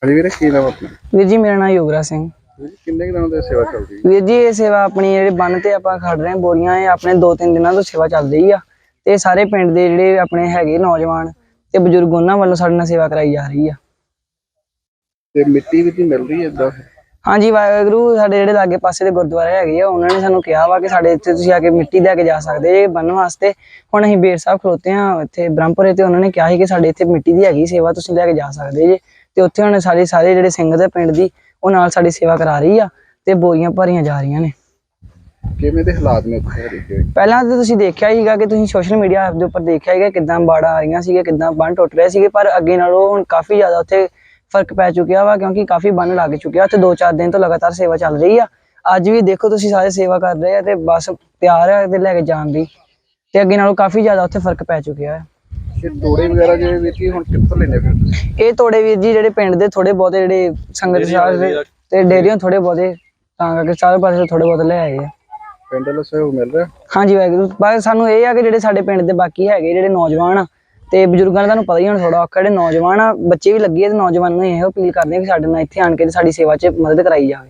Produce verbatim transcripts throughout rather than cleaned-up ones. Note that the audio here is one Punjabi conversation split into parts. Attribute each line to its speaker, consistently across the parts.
Speaker 1: ਹਾਂਜੀ ਵੀਰੇ, ਕੀ ਨਾਮ ਆਪਣਾ?
Speaker 2: ਵੀਰ ਜੀ ਮੇਰਾ ਨਾਮ ਯੁਵਰਾਜ ਸਿੰਘ।
Speaker 1: ਕਿੰਨੇ ਦਿਨਾਂ ਤੋਂ ਸੇਵਾ ਚੱਲ ਰਹੀ ਹੈ
Speaker 2: ਵੀਰ ਜੀ? ਇਹ ਸੇਵਾ ਆਪਣੀ ਜਿਹੜੇ ਬੰਨ ਤੇ ਆਪਾਂ ਖੜ ਰਹੇ ਬੋਰੀਆਂ, ਇਹ ਆਪਣੇ ਦੋ ਤਿੰਨ ਦਿਨਾਂ ਤੋਂ ਸੇਵਾ ਚੱਲ ਰਹੀ ਆ। ਤੇ ਸਾਰੇ ਪਿੰਡ ਦੇ ਜਿਹੜੇ ਆਪਣੇ ਹੈਗੇ ਨੌਜਵਾਨ ਤੇ ਬਜ਼ੁਰਗ, ਉਹਨਾਂ ਵੱਲੋਂ ਸਾਡੇ ਨਾਲ ਸੇਵਾ ਕਰਾਈ ਜਾ ਰਹੀ ਆ।
Speaker 1: ਤੇ ਮਿੱਟੀ ਵੀ ਮਿਲ ਰਹੀ ਹੈ ਇਦਾਂ?
Speaker 2: ਹਾਂਜੀ, ਵਾਹਿਗੁਰੂ ਸਾਡੇ ਜਿਹੜੇ ਲਾਗੇ ਪਾਸੇ ਦੇ ਗੁਰਦੁਆਰੇ ਹੈਗੇ ਆ, ਉਹਨਾਂ ਨੇ ਸਾਨੂੰ ਕਿਹਾ ਵਾ ਕਿ ਸਾਡੇ ਇੱਥੇ ਤੁਸੀਂ ਆ ਕੇ ਮਿੱਟੀ ਲੈ ਕੇ ਜਾ ਸਕਦੇ ਜੇ ਬੰਨ ਵਾਸਤੇ। ਹੁਣ ਅਸੀਂ ਬੇਰ ਸਾਹਿਬ ਖਲੋਤੇ ਆ ਇੱਥੇ ਬ੍ਰਹਮਪੁਰੇ, ਤੇ ਉਹਨਾਂ ਨੇ ਕਿਹਾ ਸੀ ਕਿ ਸਾਡੇ ਇੱਥੇ ਮਿੱਟੀ ਦੀ ਹੈਗੀ ਸੇਵਾ, ਤੁਸੀਂ ਲੈ ਕੇ ਜਾ ਸਕਦੇ ਜੇ। ਤੇ ਉੱਥੇ ਹੁਣ ਸਾਰੇ ਸਾਰੇ ਜਿਹੜੇ ਸਿੰਘ ਦੇ ਪਿੰਡ ਦੀ ਉਹ ਨਾਲ ਸਾਡੀ ਸੇਵਾ ਕਰਾ ਰਹੀ ਆ ਤੇ ਬੋਰੀਆਂ ਭਰੀਆਂ ਜਾ ਰਹੀਆਂ ਨੇ।
Speaker 1: ਕਿਵੇਂ ਦੇ ਹਾਲਾਤ ਨੇ ਉੱਥੇ?
Speaker 2: ਪਹਿਲਾਂ ਤਾਂ ਤੁਸੀਂ ਦੇਖਿਆ ਹੀਗਾ ਕਿ ਤੁਸੀਂ ਸੋਸ਼ਲ ਮੀਡੀਆ ਦੇ ਉੱਪਰ ਦੇਖਿਆ ਹੀਗਾ ਕਿੱਦਾਂ ਬਾੜਾਂ ਆ ਰਹੀਆਂ ਸੀਗੇ, ਕਿੱਦਾਂ ਬੰਨ ਟੁੱਟ ਰਹੇ ਸੀਗੇ, ਪਰ ਅੱਗੇ ਨਾਲੋਂ ਹੁਣ ਕਾਫੀ ਜ਼ਿਆਦਾ ਉੱਥੇ ਫਰਕ ਪੈ ਚੁੱਕਿਆ ਵਾ, ਕਿਉਂਕਿ ਕਾਫੀ ਬੰਨ ਲੱਗ ਚੁੱਕਿਆ ਉੱਥੇ। ਦੋ ਚਾਰ ਦਿਨ ਤੋਂ ਲਗਾਤਾਰ ਸੇਵਾ ਚੱਲ ਰਹੀ ਆ। ਅੱਜ ਵੀ ਦੇਖੋ ਤੁਸੀਂ ਸਾਰੇ ਸੇਵਾ ਕਰ ਰਹੇ ਆ ਤੇ ਬੱਸ ਤਿਆਰ ਹੈ ਤੇ ਲੈ ਕੇ ਜਾਣ ਦੀ, ਤੇ ਅੱਗੇ ਨਾਲੋਂ ਕਾਫੀ ਜ਼ਿਆਦਾ ਉੱਥੇ ਫਰਕ ਪੈ ਚੁੱਕਿਆ ਹੈ।
Speaker 1: ਤੋੜੇ ਵਗੈਰਾ ਜਿਹੜੇ ਵੀਰ ਜੀ ਹੁਣ ਕਿੱਥੋਂ ਲੈਣੇ ਫਿਰ?
Speaker 2: ਇਹ ਤੋੜੇ ਵੀਰ ਜੀ ਜਿਹੜੇ ਪਿੰਡ ਦੇ ਥੋੜੇ ਬਹੁਤੇ ਜਿਹੜੇ ਸੰਗਤ ਸਾਹਿਬ ਤੇ ਡੇਰੀਆਂ ਥੋੜੇ ਬਹੁਤੇ, ਤਾਂ ਕਰਕੇ ਸਾਰੇ ਪਾਸੇ ਥੋੜੇ ਬਹੁਤ ਲੈ ਆਏ ਆ।
Speaker 1: ਪਿੰਡ ਵੱਲੋਂ ਸਹਿਯੋਗ ਮਿਲ ਰਿਹਾ?
Speaker 2: ਹਾਂਜੀ ਵਾਹਿਗੁਰੂ, ਬਸ ਸਾਨੂੰ ਇਹ ਆ ਕਿ ਜਿਹੜੇ ਸਾਡੇ ਪਿੰਡ ਦੇ ਬਾਕੀ ਹੈਗੇ ਜਿਹੜੇ ਨੌਜਵਾਨ ਆ ਤੇ ਬਜ਼ੁਰਗਾਂ ਦਾ ਤੁਹਾਨੂੰ ਪਤਾ ਹੀ ਹੁਣ ਥੋੜਾ ਔਖਾ, ਜਿਹੜੇ ਨੌਜਵਾਨ ਆ ਬੱਚੇ ਵੀ ਲੱਗੇ ਆ, ਤੇ ਨੌਜਵਾਨਾਂ ਨੂੰ ਇਹੋ ਅਪੀਲ ਕਰਦੇ ਆ ਕਿ ਸਾਡੇ ਨਾਲ ਇੱਥੇ ਆਣ ਕੇ ਸਾਡੀ ਸੇਵਾ 'ਚ ਮਦਦ ਕਰਾਈ ਜਾਵੇ।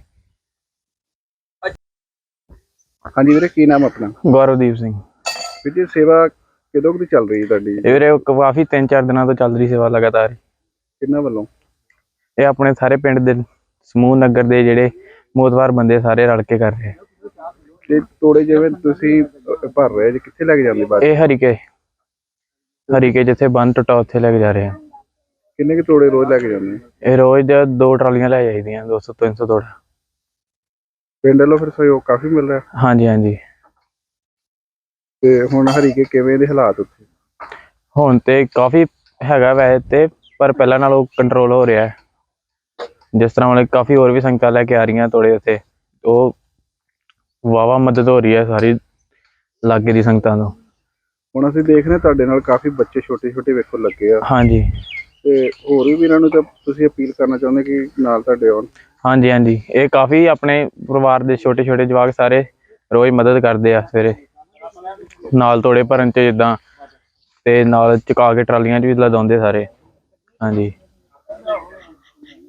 Speaker 1: ਹਾਂਜੀ ਵੀਰੇ, ਕੀ ਨਾਮ ਆਪਣਾ?
Speaker 3: ਗੌਰਵਦੀਪ ਸਿੰਘ।
Speaker 1: ਵੀਰ ਜੀ, ਸੇਵਾ ਕਦੋਂ ਕੁ ਚੱਲ ਰਹੀ ਹੈ ਤੁਹਾਡੀ?
Speaker 3: ਇਹ ਵੀਰੇ ਕਾਫੀ ਤਿੰਨ ਚਾਰ ਦਿਨਾਂ ਤੋਂ ਚੱਲ ਰਹੀ ਸੇਵਾ ਲਗਾਤਾਰ।
Speaker 1: ਕਿੰਨਾ ਵੱਲੋਂ?
Speaker 3: ਇਹ ਆਪਣੇ ਸਾਰੇ ਪਿੰਡ ਦੇ ਸਮੂਹ ਨਗਰ ਦੇ ਜਿਹੜੇ ਮੋਤਵਾਰ ਬੰਦੇ ਸਾਰੇ ਰਲ ਕੇ ਕਰ ਰਹੇ।
Speaker 1: ਤੇ ਤੋੜੇ ਜਿਵੇਂ ਤੁਸੀਂ ਭਰ ਰਹੇ ਜੀ, ਕਿੱਥੇ ਲੈ ਕੇ ਜਾਂਦੇ ਬਾਅਦ?
Speaker 3: ਇਹ ਹਰੀਕੇ ਹਰੀਕੇ ਜਿੱਥੇ ਬੰਨ ਟੁੱਟਾ ਉੱਥੇ ਲੈ ਕੇ ਜਾ ਰਹੇ ਆ।
Speaker 1: ਕਿੰਨੇ ਕੁ ਤੋੜੇ ਰੋਜ਼ ਲੈ ਕੇ ਜਾਂਦੇ?
Speaker 3: ਇਹ ਰੋਜ਼ ਦੋ ਟਰਾਲੀਆਂ ਲੈ ਜਾਈਦੀਆਂ, ਦੋ ਸੌ ਤਿੰਨ ਸੌ ਤੋੜਾ।
Speaker 1: ਪਿੰਡ ਵੱਲੋਂ ਫਿਰ ਸਹਿਯੋਗ ਕਾਫੀ ਮਿਲ ਰਿਹਾ?
Speaker 3: ਹਾਂਜੀ ਹਾਂਜੀ।
Speaker 1: ਤੇ ਹੁਣ ਹਰੀਕੇ ਕਿਵੇਂ ਦੇ ਹਾਲਾਤ ਉੱਥੇ?
Speaker 3: ਹੁਣ ਤੇ ਕਾਫੀ ਹੈਗਾ ਵੈਸੇ ਤੇ, ਪਰ ਪਹਿਲਾਂ ਨਾਲੋਂ ਕੰਟਰੋਲ ਹੋ ਰਿਹਾ। ਜਿਸ ਤਰ੍ਹਾਂ ਮਤਲਬ ਕਾਫੀ ਹੋਰ ਵੀ ਸੰਗਤਾਂ ਲੈ ਕੇ ਆ ਰਹੀਆਂ ਤੋੜੇ ਉੱਥੇ, ਉਹ ਵਾਹਵਾ ਮਦਦ ਹੋ ਰਹੀ ਹੈ ਸਾਰੀ ਲਾਗੇ ਦੀ ਸੰਗਤਾਂ ਤੋਂ।
Speaker 1: ਹੁਣ ਅਸੀਂ ਦੇਖ ਰਹੇ ਤੁਹਾਡੇ ਨਾਲ ਕਾਫੀ ਬੱਚੇ ਛੋਟੇ ਛੋਟੇ ਵੇਖੋ ਲੱਗੇ ਆ।
Speaker 3: ਹਾਂਜੀ,
Speaker 1: ਤੇ ਹੋਰ ਵੀ ਵੀਰਾਂ ਨੂੰ ਤਾਂ ਤੁਸੀਂ ਅਪੀਲ ਕਰਨਾ ਚਾਹੁੰਦੇ ਕਿ ਨਾਲ ਤੁਹਾਡੇ ਆਉਣ?
Speaker 3: ਹਾਂਜੀ ਹਾਂਜੀ, ਇਹ ਕਾਫੀ ਆਪਣੇ ਪਰਿਵਾਰ ਦੇ ਛੋਟੇ ਛੋਟੇ ਜਵਾਕ ਸਾਰੇ ਰੋਜ਼ ਮਦਦ ਕਰਦੇ ਆ ਸਵੇਰੇ ਨਾਲ ਤੋੜੇ ਭਰਨ 'ਚ, ਜਿੱਦਾਂ ਤੇ ਨਾਲ ਚੁਕਾ ਕੇ ਟਰਾਲੀਆਂ 'ਚ ਵੀ ਲਦਾਉਂਦੇ ਸਾਰੇ। ਹਾਂਜੀ।